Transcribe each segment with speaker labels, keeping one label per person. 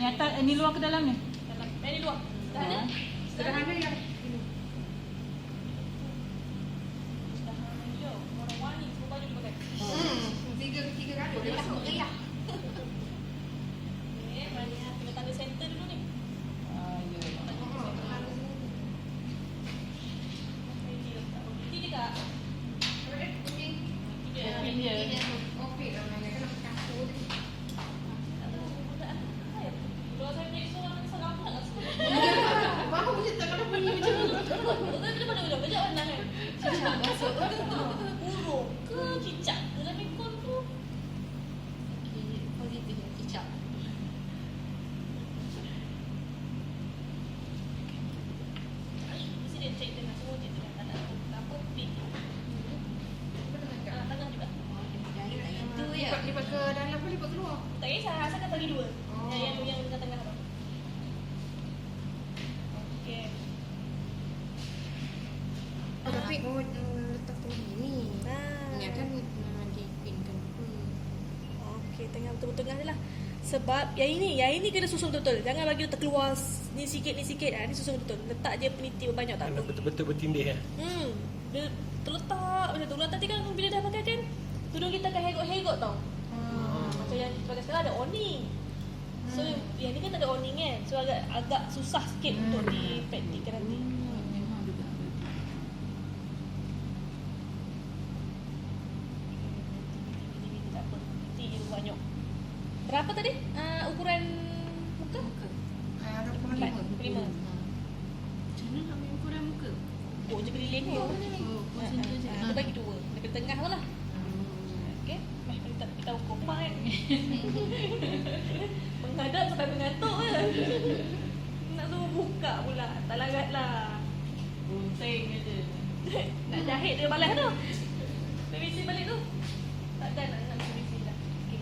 Speaker 1: atas, ni luar ke dalam ni?
Speaker 2: Dalam. Ni luar. Sederhana.
Speaker 3: Sederhana yang
Speaker 2: Sederhana je. Warna-warni semua baju dia pakai.
Speaker 3: tiga kali dia masuk meriah.
Speaker 2: Okey, banyak kena tanda center dulu ni.
Speaker 1: Ya.
Speaker 2: Ini juga.
Speaker 1: Kuping dia.
Speaker 3: Okey, ramai kan nak campur ni.
Speaker 2: Kalau saya jadi seorang sangat apa nak suka.
Speaker 3: Baru je tak kalau bunyi macam tu.
Speaker 2: Tapi mana boleh belajar warna kan?
Speaker 3: Cicak masuk.
Speaker 2: Burung ke cicak ke dalam ekor tu?
Speaker 3: Okey, positif cicak.
Speaker 2: Mesti dia check dengan semua check dengan tangan apa pink. Tangan juga.
Speaker 3: Itu ya. Lipat ke dalam ke lipat keluar?
Speaker 2: Tak kisah, asalkan bagi dua.
Speaker 3: Oh.
Speaker 2: Yang tengah-tengah tu. Okey.
Speaker 3: Oh, tapi letak tinggi ni. Ni kan dipinkan.
Speaker 2: Okey, tengah betul-betul tengah je lah. Sebab yang ini kena susun betul-betul. Jangan bagi dia terkeluar ni sikit. Ni susun betul. Letak je peniti banyak tak apa.
Speaker 4: Betul-betul bertindih ya.
Speaker 2: Dia terletak macam tu. Nanti kan bila dah pakai kan, tudung kita akan hegot-hegot tau. Macam yang kita pakai sekarang ada awning. So yang ni kan tak ada awning kan. So agak susah sikit untuk dipraktikkan nanti.
Speaker 1: Memang juga.
Speaker 2: Ini tak apa. Nanti je banyak. Berapa tadi? Ukuran muka?
Speaker 3: Ada pun
Speaker 2: Empat.
Speaker 3: lima.
Speaker 2: 5.
Speaker 1: Macam mana nak ambil ukuran muka?
Speaker 2: Oh je keliling tu.
Speaker 1: Macam tu je.
Speaker 2: Dia bagi dua. Dekat tengah tu lah. Okey. Kita ukur mak kan. Menghadap sampai mengantuk ke. Nak suruh buka pula. Tak larat lah.
Speaker 1: Bunting je.
Speaker 2: Nak jahit dia balas tu. Dia visi balik tu. Takkan nak visi dah. Okey.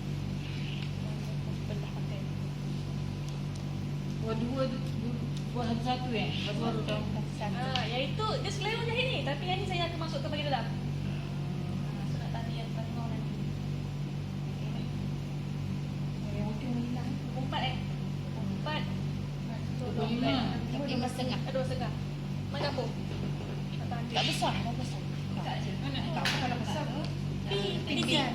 Speaker 2: Belah pakai.
Speaker 1: Dua tu buat satu baru tahu.
Speaker 2: Yang itu dia selera jahit ni. Tapi yang ni saya akan masukkan bagi dalam. So nak tanya yang tengah nanti.
Speaker 3: Yang ujung hilang.
Speaker 2: 4 4.
Speaker 1: 25.
Speaker 3: 5.5.
Speaker 2: 2.5. Mana dapur?
Speaker 3: Tak besar, tak besar.
Speaker 2: Tak je.
Speaker 3: Tak kalau besar tu.
Speaker 2: Pilihan.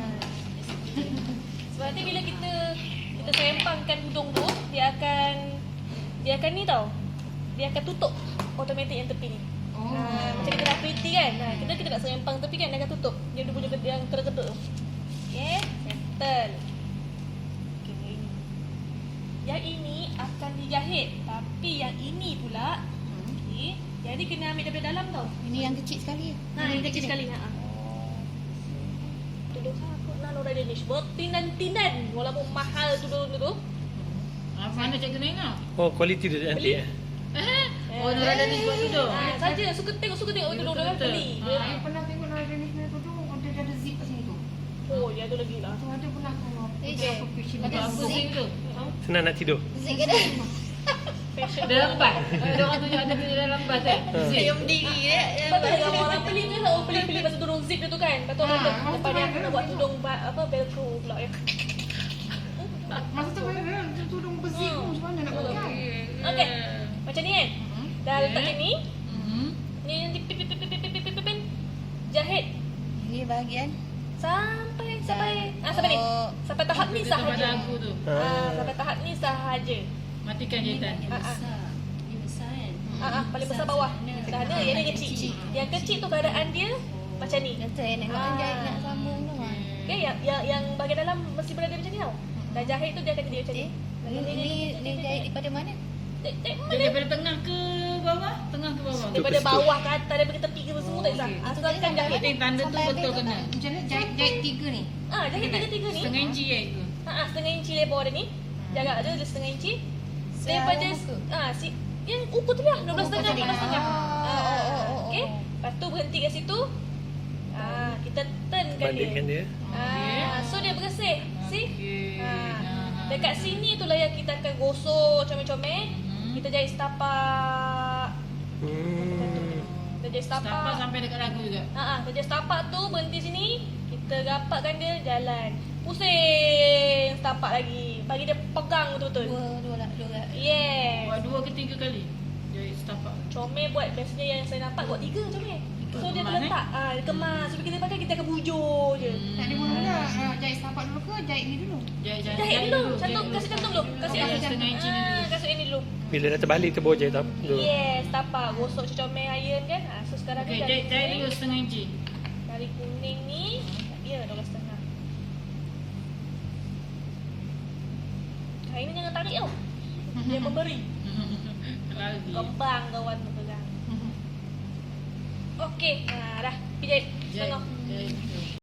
Speaker 2: Sebab nanti bila kita serempangkan tudung tu, dia akan ni tau. Dia akan tutup automatik yang tepi ni. Macam kita dah pretty kan. Kita nak serempang tepi kan, dia akan tutup. Dia ada punya yang terketuk tu. Okay, settle. Okay. Yang ini akan dijahit. Tapi yang ini pula, okay, yang ni kena ambil daripada dalam tau.
Speaker 3: Ini yang kecil sekali.
Speaker 2: Yang kecil sekali. Tudung aku nak Nora Danish. Bertindan-tindan. Walaupun mahal tudung tu.
Speaker 1: Mana cikgu tengok?
Speaker 4: Oh, kualiti dia nanti ya.
Speaker 1: Oh, Nora Danish buat tudung.
Speaker 2: Saja suka tengok tudung dia
Speaker 1: Betul-betul.
Speaker 2: beli.
Speaker 3: Saya pernah tengok Nora Danish punya tudung, dia ada zip kat sini tu.
Speaker 2: Oh, dia tu lagi lah.
Speaker 3: Tu ada pernah kalau
Speaker 2: Okay.
Speaker 1: Ada apa sih tu?
Speaker 4: Senang nak tidur.
Speaker 3: zip ke dah?
Speaker 2: Fashion.
Speaker 1: Dalam bas. Ada orang tunjuk ada punya dalam bas kan? Zip.
Speaker 3: Yang berdiri dia.
Speaker 2: Betul yang orang beli tu lah. Orang beli pasal tudung zip dia tu kan. Lepas tu orang lepas dia akan nak buat tudung velcro pula ya.
Speaker 3: Masa tu viral, tudung besi tu macam mana nak pakai?
Speaker 2: Okey. Macam ni kan. Dah letak macam ni.
Speaker 1: Hmm.
Speaker 2: Ni nanti pin. Jahit
Speaker 3: Ini bahagian
Speaker 2: sampai ni. Sampai tahap ni
Speaker 1: Tempat
Speaker 2: sahaja.
Speaker 1: dagu tu.
Speaker 2: Sampai tahap ni sahaja.
Speaker 1: Matikan jahitan.
Speaker 3: Ini besar kan?
Speaker 2: Paling besar bawah. Dah ada yang ni kecil. Yang kecil tu keadaan dia macam ni.
Speaker 3: Kata nak jahit nak sambung tu.
Speaker 2: Okay, yang bahagian dalam mesti berada macam ni tau. Dah jahit tu dia akan jadi macam ni.
Speaker 3: Ini jahit daripada mana?
Speaker 1: Daripada tengah ke bawah? Tengah ke bawah?
Speaker 2: Daripada bawah ke atas, daripada tepi ke semua tak kisah. Asalkan jahit.
Speaker 1: Penting tanda tu betul kena.
Speaker 3: Macam mana jahit tiga ni?
Speaker 2: Jahit tiga-tiga ni.
Speaker 1: Setengah inci je itu.
Speaker 2: Setengah inci lebar dia ni. Jarak dia setengah inci. Daripada yang ukur tu lah 12.5. Okey. Lepas tu berhenti kat situ. Kita turnkan
Speaker 4: Bandingkan
Speaker 2: dia.
Speaker 4: dia.
Speaker 2: So dia bersih. See?
Speaker 1: Okey.
Speaker 2: Dekat sini tu lah yang kita akan gosok comel-comel. Kita jahit setapak. Kita jahit
Speaker 1: Setapak
Speaker 2: setapak.
Speaker 1: sampai dekat dagu juga.
Speaker 2: Kita jahit setapak tu berhenti sini. Kita rapatkan dia jalan. Pusing setapak lagi. Bagi dia pegang betul-betul.
Speaker 3: Dua lah.
Speaker 2: Yes.
Speaker 1: Buat 2 ke 3 kali. Jahit setapak.
Speaker 2: Comel buat biasanya yang saya nampak buat 3 comel. So dia
Speaker 1: kemas,
Speaker 2: terletak. Dia kemas. So kita pakai kita akan bujur je.
Speaker 3: Tak ada mula jahit setapak dulu ke jahit ni dulu?
Speaker 2: Jahit dulu. Kasih cantum dulu. Kasih
Speaker 1: Kasih
Speaker 2: ini.
Speaker 1: setengah inci ni dulu.
Speaker 2: Kasih ini dulu.
Speaker 4: Bila dah terbalik tu baru jahit tak dulu.
Speaker 2: Yes, tapak. Gosok comel iron kan. So sekarang
Speaker 1: Okey,
Speaker 2: ni
Speaker 1: jahit dulu setengah inci.
Speaker 2: dari kuning ni. Ya, 12.5. Ini jangan tarik tau. Dia memberi.
Speaker 1: Lagi.
Speaker 2: Kembang kawan tu pegang. Okey. Dah. Pergi jahit.
Speaker 1: Jahit.
Speaker 2: Setengah.
Speaker 1: Jahit.